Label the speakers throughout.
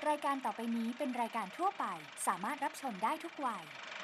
Speaker 1: รายการต่อไปนี้เป็นรายการทั่วไปสามารถรับชมได้ทุกวัย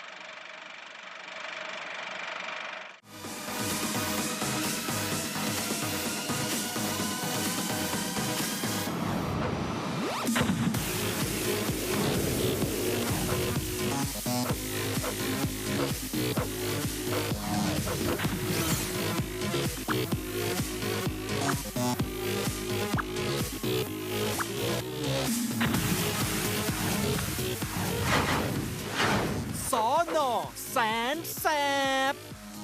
Speaker 2: สน.แสนแสบ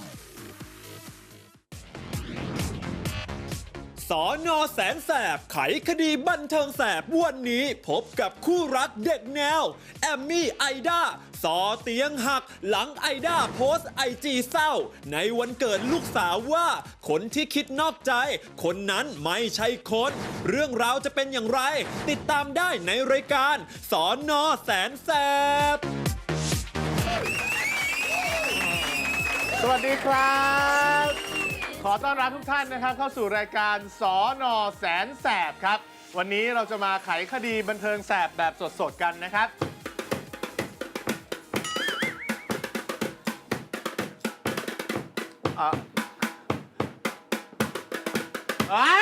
Speaker 2: สน.แสนแสบไขคดีบันเทิงแสบวันนี้พบกับคู่รักเด็กแนวแอมมี่ไอด้าสอเตียงหักหลังไอด้าโพสต์ไอจีเศร้าในวันเกิดลูกสาวว่าคนที่คิดนอกใจคนนั้นไม่ใช่คนเรื่องราวจะเป็นอย่างไรติดตามได้ในรายการสน.แสนแสบ
Speaker 3: สวัสดีครับ ขอต้อนรับทุกท่านนะครับเข้าสู่รายการสน.แสนแสบครับ วันนี้เราจะมาไขคดีบันเทิงแสบแบบสดๆกันนะครับไอ้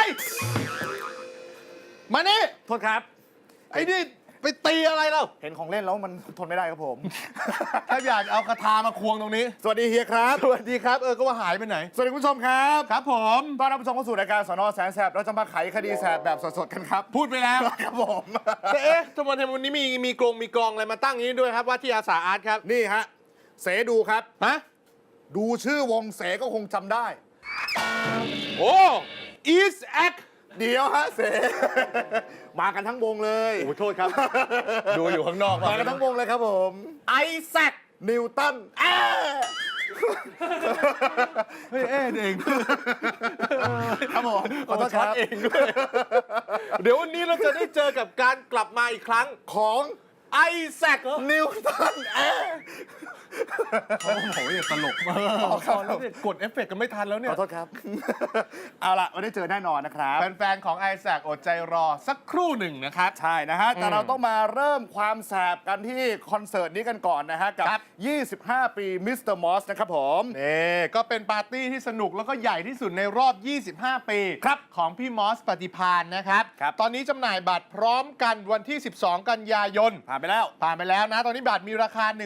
Speaker 3: มานี่
Speaker 4: โทษครับ
Speaker 3: ไอ้นี่ไปตีอะไรเรา
Speaker 4: เห็นของเล่นแล้วมันทนไม่ได้ครับผม
Speaker 3: ถ้าอยากเอาคาถามาควงตรงนี้
Speaker 4: สวัสดีเฮียครับ
Speaker 3: สวัสดีครับก็ว่าหายไปไหน
Speaker 4: สวัสดีคุณผู้ชมครับ
Speaker 3: ครับผม
Speaker 4: ต้อนรับผู้ชมเข้าสู่รายการสน.แสนแสบเราจะมาไขคดีแสบแบบสดๆกันครับ
Speaker 3: พูดไปแล้ว
Speaker 4: ครับผม
Speaker 3: แต่เอ๊ะทำไมวันนี้มีกองอะไรมาตั้งอย่างนี้ด้วยครับว่าที่อาสาอาร์ตครับ
Speaker 4: นี่ฮะเสดูครับ
Speaker 3: ฮะ
Speaker 4: ดูชื่อวงเสก็คงจำได้
Speaker 3: โอ้ East Act
Speaker 4: เดี๋ยวฮะเส มากันทั้งวงเลย
Speaker 3: โอ้โทษครับ ดูอยู่ข้างนอก
Speaker 4: มากันทั้งวงเลยครับผม
Speaker 3: ไอแซค
Speaker 4: นิวตัน
Speaker 3: เฮ้ยเอง
Speaker 4: ครับผมขอโทษครับ
Speaker 3: เองด้วยเดี๋ยววันนี้เราจะได้เจอกับการกลับมาอีกครั้ง
Speaker 4: ของ
Speaker 3: ไอแซค
Speaker 4: นิวตัน
Speaker 3: โอ้โหตลกมากแล้วเนี่ยกดเอฟเฟกต์กันไม่ทันแล้วเนี่
Speaker 4: ข
Speaker 3: ย
Speaker 4: อโทษครับ เอาล่ะวันนี้เจอแน่นอนนะครับ
Speaker 3: แฟนๆของไอแซคอดใจรอสักครู่หนึ่งนะครับ
Speaker 4: ใช่นะฮะ แต่เราต้องมาเริ่มความแสบกันที่คอนเสิร์ตนี้กันก่อนนะฮะ กับ 25 ปีมิสเตอร์มอสนะครับผม
Speaker 3: นี่ก็เป็นปาร์ตี้ที่สนุกแล้วก็ใหญ่ที่สุดในรอบ 25 ปีของพี่มอสปฏิพานนะครับ ตอนนี้จำหน่ายบัตรพร้อมกันวันที่ 12 กันยายน
Speaker 4: ผ่านไปแล้ว
Speaker 3: ผ่านไปแล้วนะ ตอนนี้บัตรมีราคา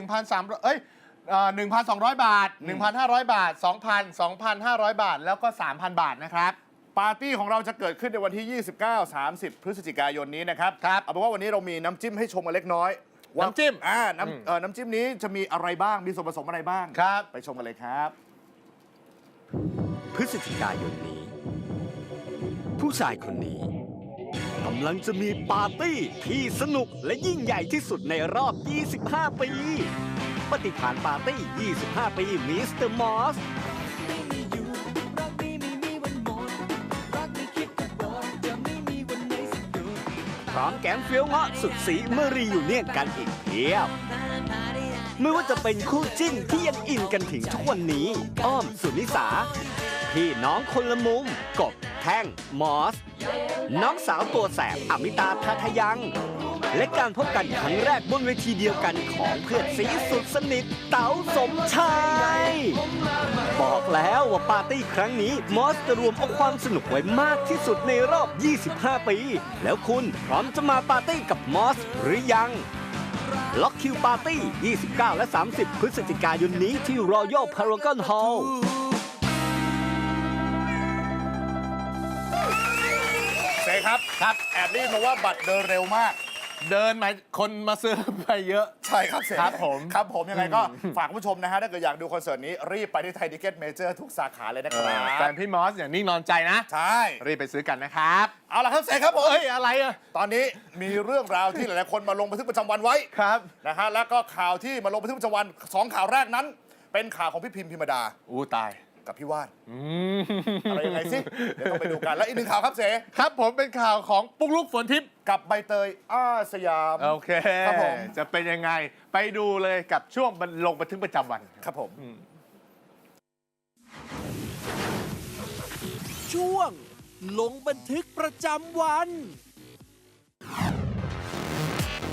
Speaker 3: 1,200 บาท 1,500 บาท 2,000 2,500 บาท แล้วก็ 3,000 บาทนะครับ
Speaker 4: ปาร์ตี้ของเราจะเกิดขึ้นในวันที่ 29-30 พฤศจิกายนนี้นะครับเอาเป็นว่าวันนี้เรามีน้ำจิ้มให้ชมกันเล็กน้อยว่า
Speaker 3: น้ำจิ้ม
Speaker 4: น้ำจิ้มนี้จะมีอะไรบ้าง มีส่วนผสมอะไรบ้าง
Speaker 3: ครับ
Speaker 4: ไปชมกันเลยครับ
Speaker 5: พฤศจิกายนนี้ ผู้ชายคนนี้กำลังจะมีปาร์ตี้ที่สนุกและยิ่งใหญ่ที่สุดในรอบ 25 ปี ปฏิภาณปาร์ตี้ 25 ปีมิสเตอร์มอสพร้อมแกงเฟี้ยวเงาะสุดสีเมื่อรีอยู่เนียนกันอีกเพียบ ไม่ว่าจะเป็นคู่จิ้นที่ยังอินกันถึงทุกวันนี้ อ้อมสุนิสา พี่น้องคนละมุม กบ แท่ง มอส น้องสาวตัวแสบอมิตาทัทยัง และการพบกันครั้งแรกบนเวทีเดียวกันของเพื่อนสีสุดสนิทเต๋าสมชาย บอกแล้วว่าปาร์ตี้ครั้งนี้มอสจะรวมเอาความสนุกไว้มากที่สุดในรอบ 25 ปี แล้วคุณพร้อมจะมาปาร์ตี้กับมอสหรือยัง ล็อกคิวปาร์ตี้ 29 และ 30 พฤศจิกายนนี้ที่ Royal Paragon Hall
Speaker 4: เสครับ แอบได้ยินมาว่าบัตรเดินเร็วมาก
Speaker 3: เดินมาคนมาซื้อไปเยอะ
Speaker 4: ใช่ครับเส
Speaker 3: ครับผม
Speaker 4: ครับผมยังไงก็ฝากคุณผู้ชมนะฮะถ้าเกิดอยากดูคอนเสิร์ตนี้รีบไปที่ไทยทิเก็ตเมเจอร์ทุกสาขาเลยนะครับ
Speaker 3: แฟนพี่มอสอย่างนิ่งนอนใจนะ
Speaker 4: ใช่
Speaker 3: รีบไปซื้อกันนะครับ
Speaker 4: เอาล่ะครับเสครับผม
Speaker 3: เอ้ยอะไรอะ
Speaker 4: ตอนนี้มีเรื่องราวที่หลายๆคนมาลงบันทึกประจำวันไว้
Speaker 3: ครับ
Speaker 4: นะฮะแล้วก็ข่าวที่มาลงบันทึกประจำวันสองข่าวแรกนั้น เป็นข่าวของพี่พิมพิมดา
Speaker 3: อู้ตาย
Speaker 4: กับพี่วาดอะไรยังไงสิเดี๋ยวต้องไปดูกันแล้วอีกหนึ่งข่าวครับเส
Speaker 3: ครับผมเป็นข่าวของปุ๊กลุกฝนทิพย์
Speaker 4: กับใบเตยอ้าสยาม
Speaker 3: โอเค
Speaker 4: ครับผม
Speaker 3: จะเป็นยังไงไปดูเลยกับช่วงลงบันทึกประจำวัน
Speaker 4: ครับผม
Speaker 2: ช่วงลงบันทึกประจำวัน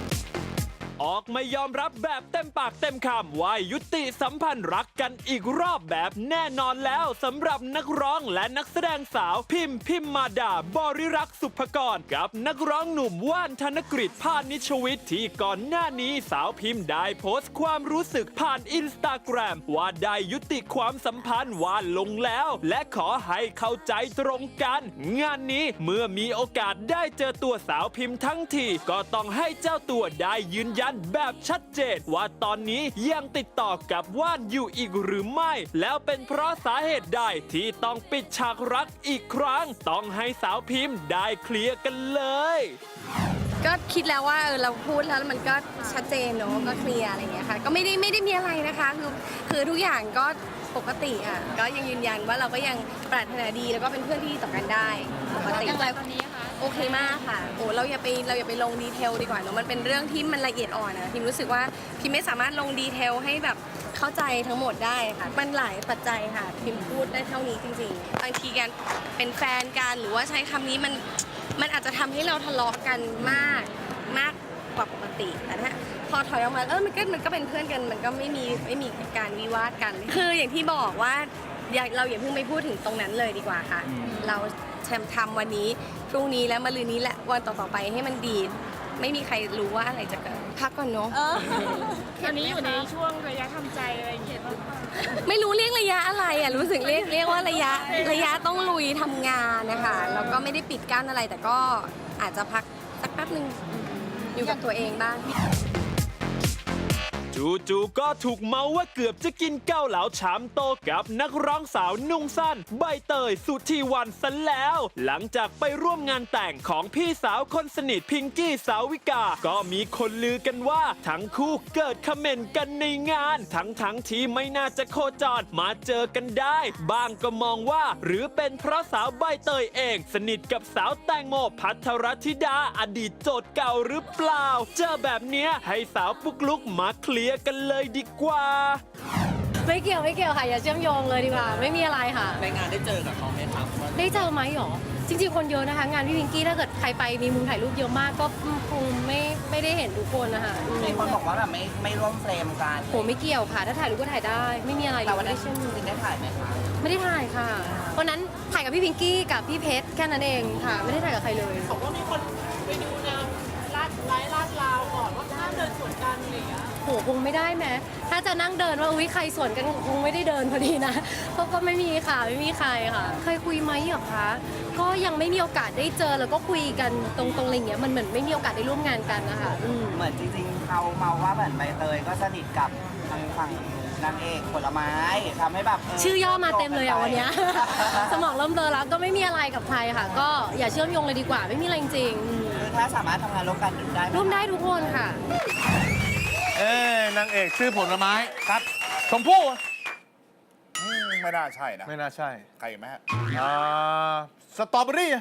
Speaker 2: ออกมายอมรับแบบเต็มปากเต็มคำว่ายุติสัมพันธ์รักกันอีกรอบแบบแน่นอนแล้วสำหรับนักร้องและนักแสดงสาวพิมมาดาบริรักษ์สุภกรกับนักร้องหนุ่มว่านธนกฤษพานิชวิทย์ที่ก่อนหน้านี้สาวพิมได้โพสต์ความรู้สึกผ่านอินสตาแกรมว่าได้ยุติความสัมพันธ์ว่าลงแล้วและขอให้เข้าใจตรงกันงานนี้เมื่อมีโอกาสได้เจอตัวสาวพิมทั้งทีก็ต้องให้เจ้าตัวได้ยืนยันแบบชัดเจนว่าตอนนี้ยังติดต่อกับว่านอยู่อีกหรือไม่แล้วเป็นเพราะสาเหตุใดที่ต้องปิดฉากรักอีกครั้งต้องให้สาวพิมได้เคลียร์กันเลย
Speaker 6: ก็คิดแล้วว่าเราพูดแล้วมันก็ชัดเจนเนอะก็เคลียร์อะไรอย่างเงี้ยค่ะก็ไม่ได้มีอะไรนะคะคือทุกอย่างก็ปกติอ่ะก็ยังยืนยันว่าเราก็ยังปรารถนาดีแล้วก็เป็นเพื่อนที่ดีต่อกันได้ปกติอย่างไรตอนนี้คะโอเคมากค่ะโอ้เราอย่าไปลงดีเทลดีกว่าเนอะมันเป็นเรื่องที่มันละเอียดอ่อนนะพิมรู้สึกว่าพิมไม่สามารถลงดีเทลให้แบบเข้าใจทั้งหมดได้ค่ะมันหลายปัจจัยค่ะพิมพูดได้เท่านี้จริงๆบางทีการเป็นแฟนกันหรือว่าใช้คำนี้มันอาจจะทำให้เราทะเลาะกันมากกว่าปกติแต่ถ้าพอถอยออกมามันก็เป็นเพื่อนกันมันก็ไม่มีการวิวาทกันคืออย่างที่บอกว่าเราอย่าเพิ่งไปพูดถึงตรงนั้นเลยดีกว่าค่ะเราทำวันนี้พรุ่งนี้แล้วมะรืนนี้แหละวันต่อๆไปให้มันดีไม่มีใครรู้ว่าอะไรจะเกิดพักก่อนเนาะ
Speaker 7: ตอนนี้อยู่ในช่วงระยะทำใจอะไรอย่างเงี้ย
Speaker 6: ไม่รู้เรียกระยะอะไรอ่ะรู้สึกเรียกว่าระยะต้องลุยทำงานนะคะแล้วก็ไม่ได้ปิดกั้นอะไรแต่ก็อาจจะพักสักแป๊บนึงอยู่กับตัวเองบ้าง
Speaker 2: จู่ๆก็ถูกเมาว่าเกือบจะกินเกาเหลาชามโตกับนักร้องสาวนุ่งสั้นใบเตยสุธีวรรณซะแล้ว หลังจากไปร่วมงานแต่งของพี่สาวคนสนิทพิงกี้สาวิกาก็มีคนลือกันว่าทั้งคู่เกิดคอมเมนต์กันในงานทั้งที่ไม่น่าจะโคจรมาเจอกันได้บ้างก็มองว่าหรือเป็นเพราะสาวใบเตยเองสนิทกับสาวแตงโมภัทรธิดาอดีตโจทย์เก่าหรือเปล่าเจอแบบเนี้ยให้สาวปุ๊กลุกมาเคลียร์กันเลยดีกว่า
Speaker 7: ไม่เกี่ยวค่ะอย่าเชื่อมโยงเลยดีกว่าไม่มีอะไรค่ะ
Speaker 8: ในงานได้เจอกับเขาไหมครับ
Speaker 7: ได้เจอไหมหรอจริงๆคนเยอะนะคะงานพี่วิงกี้ถ้าเกิดใครไปมีมุมถ่ายรูปเยอะมากก็คงไม่ได้เห็นทุกคนนะคะ
Speaker 8: มีคนบอกว่าแบบไม่ร่วมเฟรมกัน
Speaker 7: โหไม่เกี่ยวค่ะถ้าถ่ายรูปก็ถ่ายได้ไม่มีอะไร
Speaker 8: แต่วันนั้นจริงๆได้ถ่ายไหมคะ
Speaker 7: ไม่ได้ถ่ายค่ะวันนั้นถ่ายกับพี่วิงกี้กับพี่เพชรแค่นั้นเองค่ะไม่ได้ถ่ายกับใครเลย
Speaker 9: บอกว่ามีคนไปดูแนวลาดลาวก่อนว่าห้ามเดินสวนกันอะไรอย่างเงี้ย
Speaker 7: โหคงไม่ได้ไหมถ้าจะนั่งเดินว่าอุ้ยใครสวนกันคงไม่ได้เดินพอดีนะเพราะก็ไม่มีค่ะไม่มีใครค่ะเคยคุยไหมเหรอคะก็ยังไม่มีโอกาสได้เจอแล้วก็คุยกันตรงอะไรเงี้ยมันเหมือนไม่มีโอกาสได้ร่วมงานกันนะคะ
Speaker 8: เหมือนจริงๆเขาเมาว่าเหมือนใบเตยก็สนิทกับทางฝั่งนางเอกผลไม้ทำให้แบบ
Speaker 7: ชื่อย่อมาเต็มเลยอ่ะวันนี้สมองเริ่มเบลอแล้วก็ไม่มีอะไรกับใครค่ะก็อย่าเชื่อมโยงเลยดีกว่าไม่มีอะไรจริง
Speaker 8: คือถ้าสามารถทำงานร่วมกันได้
Speaker 7: ร่วมได้ทุกคนค่ะ
Speaker 3: นางเอกชื่อผลไม้ครับชมพู่
Speaker 4: ไม่น่าใช่นะ
Speaker 3: ไม่น่าใช่
Speaker 4: ใครไหมฮะ
Speaker 3: สตรอเบอรี่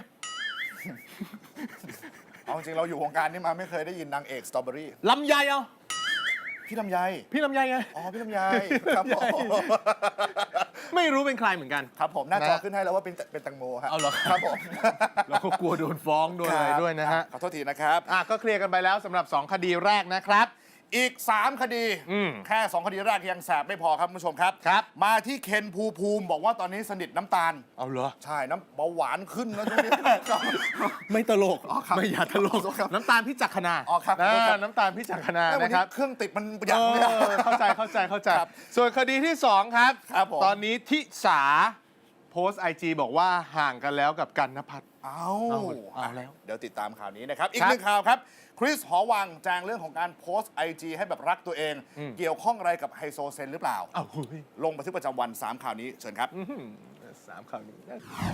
Speaker 4: เอาจริงเราอยู่วงการนี้มาไม่เคยได้ยินนางเอกสตรอเบอรี่
Speaker 3: ลำไยเอา
Speaker 4: พี่ลำไย
Speaker 3: ไง
Speaker 4: อ๋อพี่ลำไยครับผม
Speaker 3: ไม่รู้เป็นใครเหมือนกัน
Speaker 4: ครับผมหน้าจอขึ้นให้แล้วว่าเป็นแตงโมครับ
Speaker 3: เอาเหรอ
Speaker 4: ครับผม
Speaker 3: เราก็กลัวโดนฟ้องโดนอะไรด้วยนะฮะ
Speaker 4: ขอโทษทีนะครับ
Speaker 3: ก็เคลียร์กันไปแล้วสำหรับ2คดีแรกนะครับ
Speaker 4: อีก3คดีแค่2คดีแรกยังแสบไม่พอครับคุณผู้ชมครับมาที่เคนภูมิบอกว่าตอนนี้สนิทน้ำตาล
Speaker 3: เอาเหรอ
Speaker 4: ใช่น้ำเบาหวานขึ้นนะช่วงนี้
Speaker 3: ไม่ตลกไม่อย่าตลกน้ำตาลพิจักขณาน้ำตาลพิจักขณานะครับ
Speaker 4: เครื่องติดมันอย่างนี้
Speaker 3: เข้าใจส่วนคดีที่2ครับตอนนี้ทิสาโพสต์ IG บอกว่าห่างกันแล้วกับกันณภัทร
Speaker 4: เอา
Speaker 3: แล้ว
Speaker 4: เดี๋ยวติดตามข่าวนี้นะครับอีกหนึ่งข่าวครับคริสหอวังแจ้งเรื่องของการโพสต์ IG ให้แบบรักตัวเองเกี่ยวข้องอะไรกับไฮโซเซนหรือเปล่าลงบันทึกประจำวัน3ข่าวนี้เชิญครับ
Speaker 3: 3ข่าวนี้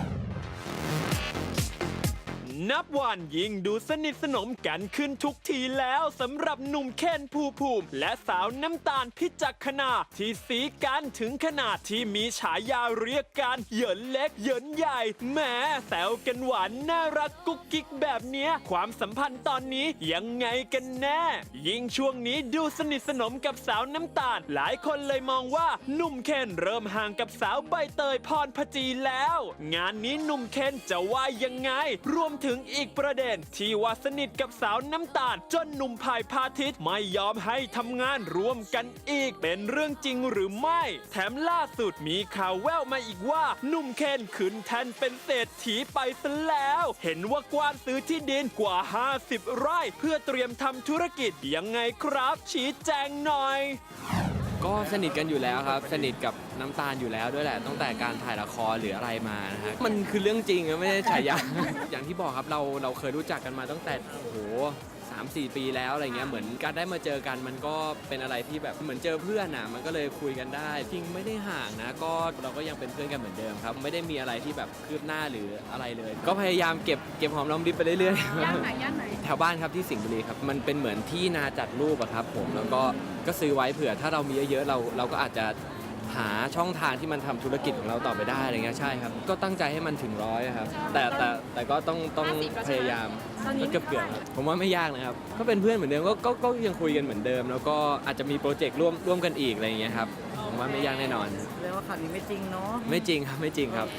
Speaker 2: นับวันยิ่งดูสนิทสนมกันขึ้นทุกทีแล้วสำหรับหนุ่มเคนภูมิและสาวน้ำตาลพิจักขณาที่สีกันถึงขนาดที่มีฉายาเรียกกันเหยินเล็กเหยินใหญ่แหมแซวกันหวานน่ารักกุ๊กกิ๊กแบบเนี้ยความสัมพันธ์ตอนนี้ยังไงกันแน่ยิ่งช่วงนี้ดูสนิทสนมกับสาวน้ำตาลหลายคนเลยมองว่าหนุ่มเคนเริ่มห่างกับสาวใบเตยพรพจีแล้วงานนี้หนุ่มเคนจะว่ายังไงรวมถึงถึงอีกประเด็นที่ว่าสนิทกับสาวน้ำตาลจนหนุ่มพายพาทิตย์ไม่ยอมให้ทำงานร่วมกันอีกเป็นเรื่องจริงหรือไม่แถมล่าสุดมีข่าวแว่วมาอีกว่าหนุ่มเคนขึ้นแทนเป็นเศรษฐีไปซะแล้วเห็นว่ากว้านซื้อที่ดินกว่า50 ไร่เพื่อเตรียมทำธุรกิจยังไงครับชี้แจงหน่อย
Speaker 10: ก็สนิทกันอยู่แล้วครับสนิทกับน้ำตาลอยู่แล้วด้วยแหละตั้งแต่การถ่ายละครหรืออะไรมานะฮะมันคือเรื่องจริงไม่ได้ฉายา อย่างที่บอกครับเราเคยรู้จักกันมาตั้งแต่โอ้โห3-4 ปีแล้วอะไรเงี้ยเหมือนการได้มาเจอกันมันก็เป็นอะไรที่แบบเหมือนเจอเพื่อนมันก็เลยคุยกันได้จริงไม่ได้ห่างนะก็เราก็ยังเป็นเพื่อนกันเหมือนเดิมครับไม่ได้มีอะไรที่แบบคืบหน้าหรืออะไรเลย ก็พยายามเก็บหอมรอมริบไปเรื่อยๆย่านไหนแถวบ้านครับที่สิงห์บุรีครับมันเป็นเหมือนที่นาจัดรูปอะครับผมแล้วก็ซื้อไว้เผื่อถ้าเรามีเยอะๆเราก็อาจจะหาช่องทางที่มันทำธุรกิจของเราต่อไปได้อะไรเงี้ยใช่ครับก็ตั้งใจให้มันถึง100ครับแต่ก็ต้องพยายามก็เกือบครับผมว่าไม่ยากนะครับก็เป็นเพื่อนเหมือนเดิมก็ยังคุยกันเหมือนเดิมแล้วก็อาจจะมีโปรเจกต์ร่วมกันอีกอะไรเงี้ยครับผมว่าไม่ยากแน่นอน
Speaker 8: เรียกว่าข่าวนี้ไม่จริงเนาะ
Speaker 10: ไม่จริงครับไม่จริงครับ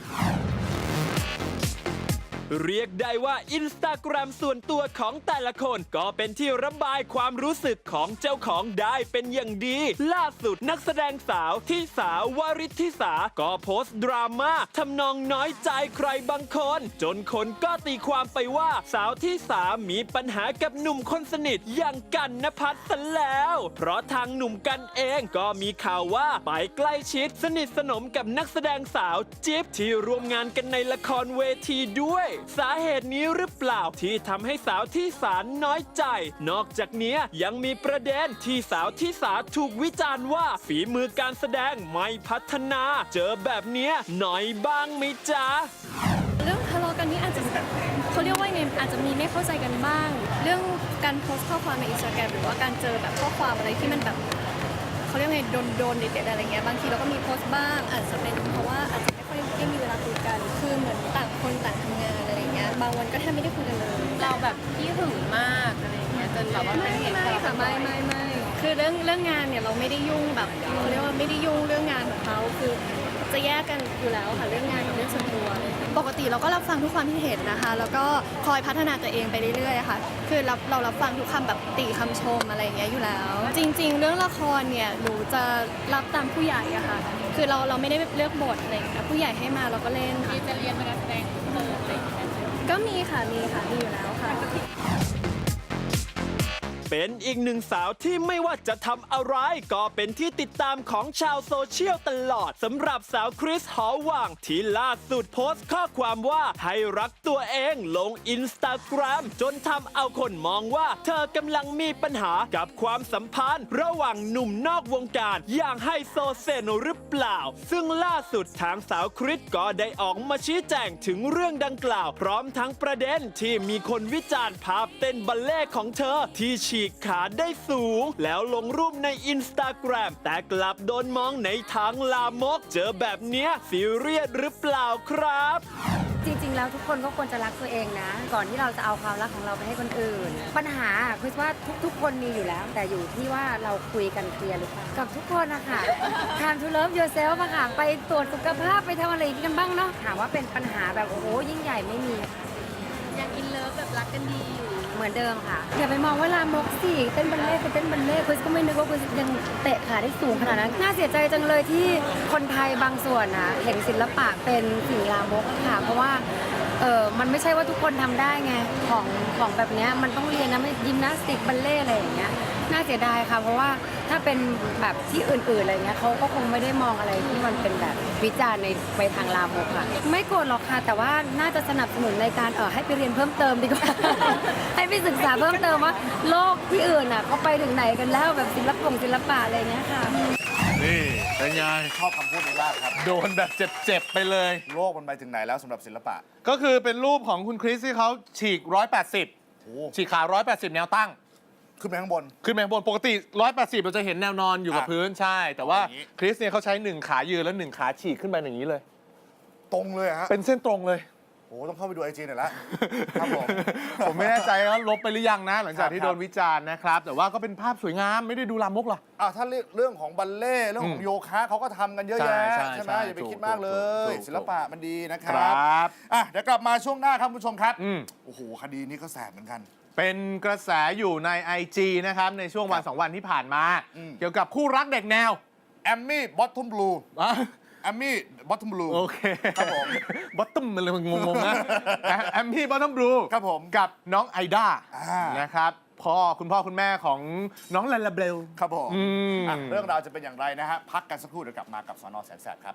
Speaker 2: เรียกได้ว่า Instagram ส่วนตัวของแต่ละคนก็เป็นที่ระบายความรู้สึกของเจ้าของได้เป็นอย่างดี ล่าสุดนักแสดงสาวที่สาววริธิสาก็โพสต์ดราม่าทำนองน้อยใจใครบางคนจนคนก็ตีความไปว่าสาวที่สามีปัญหากับหนุ่มคนสนิทอย่างกันณภัทรซะแล้วเพราะทางหนุ่มกันเองก็มีข่าวว่าไปใกล้ชิดสนิทสนมกับนักแสดงสาวจิ๊บที่ร่วมงานกันในละครเวทีด้วยสาเหตุนี้หรือเปล่าที่ทำให้สาวที่สาน้อยใจนอกจากนี้ยังมีประเด็นที่สาวที่สาถูกวิจารณ์ว่าฝีมือการแสดงไม่พัฒนาเจอแบบนี้หน่อยบ้างไหมจ๊ะ
Speaker 7: เรื่องทะเลาะกันนี้อาจจะเขาเรียกว่าไงอาจจะมีไม่เข้าใจกันบ้าง เรื่องการโพสต์ข้อความในอินสตาแกรมหรือว่าการเจอแบบข้อความอะไรที่มันแบบเขาเรียกไงโดนเด็ดๆอะไรเงี้ยบางทีเราก็มีโพสต์บ้างอาจจะเป็นเพราะว่าอาจจะไม่ค่อยได้มีเวลาคุยกันคือเหมือนต่างคนต่างทำงานอะไรเงี้ยบางวันก็แทบไม่ได้คุยกันเลยเราแบบขี้หึงมากอะไรเงี้ยจนแบบว่าไม่ค่ะไม่คือเรื่องงานเนี่ยเราไม่ได้ยุ่งแบบเขาเรียกว่าไม่ได้ยุ่งเรื่องงานของเขาคือจะแยกกันอยู่แล้วค่ะเรื่องงานกับเรื่องส่วนตัวปกติเราก็รับฟังทุกความที่เห็นนะคะแล้วก็คอยพัฒนาตัวเองไปเรื่อยๆค่ะคือเรารับฟังทุกคำแบบติคำชมอะไรอย่างเงี้ยอยู่แล้วจริงๆเรื่องละครเนี่ยหนูจะรับตามผู้ใหญ่อะค่ะคือเราไม่ได้เลือกบทอะไรอย่างเงี้ยผู้ใหญ่ให้มาเราก็เล่นค่ะจะเรียนการแสดงเพิ่มอะไรอย่างเงี้ยก็มีค่ะมีอยู่แล้วค่ะ
Speaker 2: เป็นอีกหนึ่งสาวที่ไม่ว่าจะทำอะไรก็เป็นที่ติดตามของชาวโซเชียลตลอดสำหรับสาวคริสหอวังที่ล่าสุดโพสต์ข้อความว่าให้รักตัวเองลงอินสตาแกรมจนทำเอาคนมองว่าเธอกำลังมีปัญหากับความสัมพันธ์ระหว่างหนุ่มนอกวงการอย่างไฮโซเซนหรือเปล่าซึ่งล่าสุดทางสาวคริสก็ได้ออกมาชี้แจงถึงเรื่องดังกล่าวพร้อมทั้งประเด็นที่มีคนวิจารณ์ภาพเต้นบัลเล่ต์ของเธอที่ฉีกขาได้สูงแล้วลงรูปในอินสตาแกรมแต่กลับโดนมองในทางลามกเจอแบบเนี้ยซีเรียสหรือเปล่าครับ
Speaker 11: จริงๆแล้วทุกคนก็ควรจะรักตัวเองนะก่อนที่เราจะเอาความรักของเราไปให้คนอื่นปัญหาคือว่าทุกคนมีอยู่แล้วแต่อยู่ที่ว่าเราคุยกันเคลียร์หรือเปล่ากับทุกคนนะคะtime to love yourself อะค่ะไปตรวจสุขภาพไปทำอะไรกันบ้างเนาะถามว่าเป็นปัญหาแบบโอ้โหยิ่งใหญ่ไม่มี
Speaker 7: ยังอินเลิฟแบบรักกันดีอยู่
Speaker 11: เหมือนเดิมค่ะอย่าไปมองว่าลามกสิเต้นบัลเล่คือเต้นบัลเล่คริสก็ไม่นึกว่าคริสยังเตะขาได้สูงขนาดนั้นน่าเสียใจจังเลยที่คนไทยบางส่วนนะเห็นศิลปะเป็นสิ่งลามกค่ะเพราะว่ามันไม่ใช่ว่าทุกคนทำได้ไงของแบบนี้มันต้องเรียนนะยิมนาสติกบัลเล่อะไรอย่างเงี้ยน่าเสียดายค่ะเพราะว่าถ้าเป็นแบบที่อื่นๆอะไรเงี้ยเขาก็คงไม่ได้มองอะไรที่มันเป็นแบบวิจารณ์ในไปทางลามกค่ะไม่โกรธหรอกค่ะแต่ว่าน่าจะสนับสนุนในการให้ไปเรียนเพิ่มเติมดีกว่า ให้ไปศึกษาเพิ่มเติมว่าโลกที่อื่นอ่ะเขาไปถึงไหนกันแล้วแบบศิลปะอะไรเงี้ยค่ะ
Speaker 3: นี่เป็นไง
Speaker 4: ชอบคำพูดนี้มากครับ
Speaker 3: โดนแบบเจ็บๆไปเลย
Speaker 4: โลกมันไปถึงไหนแล้วสำหรับศิลปะ
Speaker 3: ก็คือเป็นรูปของคุณคริสที่เขาฉีก180ฉีกขา180แนวตั้ง
Speaker 4: ขึ้นไปข้างบน
Speaker 3: ปกติ180เราจะเห็นแนวนอนอยู่กับพื้นใช่แต่ว่าคริสเนี่ยเขาใช้1ขายืนแล้ว1ขาฉีกขึ้นไปอย่างนี้เลย
Speaker 4: ตรงเลยฮะ
Speaker 3: เป็นเส้นตรงเลย
Speaker 4: โอ้ต้องเข้าไปดูไอจีหน่อยละครับผม
Speaker 3: ผมไม่แน่ใจว่าลบไปหรือยังนะ หลังจากที่
Speaker 4: ครับ
Speaker 3: โดนวิจารณ์นะครับ แต่ว่าก็เป็นภาพสวยงามไม่ได้ดูลามกหรอ
Speaker 4: ถ้าเรื่องของบัลเล่ต์เรื่องของโยคะเขาก็ทำกันเยอะแยะ
Speaker 3: ใช่
Speaker 4: ไหม
Speaker 3: ใช่
Speaker 4: อย่าไป
Speaker 3: ถูก
Speaker 4: คิดมากเล
Speaker 3: ถู
Speaker 4: ย
Speaker 3: ก
Speaker 4: ศิลปะมันดีนะค
Speaker 3: ค
Speaker 4: รั
Speaker 3: รับ
Speaker 4: เดี๋ยวกลับมาช่วงหน้าครับคุณผู้ชมครับ
Speaker 3: อืม
Speaker 4: โอ้โหคดีนี้ก็แสบเหมือนกัน
Speaker 3: เป็นกระแสอยู่ใน IG นะครับ ในช่วงวัน 2 วันที่ผ่านมา
Speaker 4: อืม
Speaker 3: เกี่ยวกับคู่รักเด็กแนว
Speaker 4: แอมมี่บอททอมบลู
Speaker 3: อ่ะ
Speaker 4: แอมมี่บอททอมบลู
Speaker 3: โอเค
Speaker 4: ครับผม
Speaker 3: บอตตัมมันเลยมันงงๆนะ แอมมี่บอตตัมบลู
Speaker 4: ครับผม
Speaker 3: กับน้องไอด้า
Speaker 4: อ่าน
Speaker 3: นะครับคุณพ่อคุณแม่ของน้องลาลาเบล
Speaker 4: ครับผม
Speaker 3: อืม
Speaker 4: เรื่องราวจะเป็นอย่างไรนะฮะพักกันสักครู่เดี๋ยวกลับมากับสน.แสนแสบครับ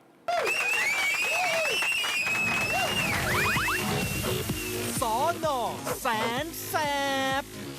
Speaker 2: สอนอแสนแสบ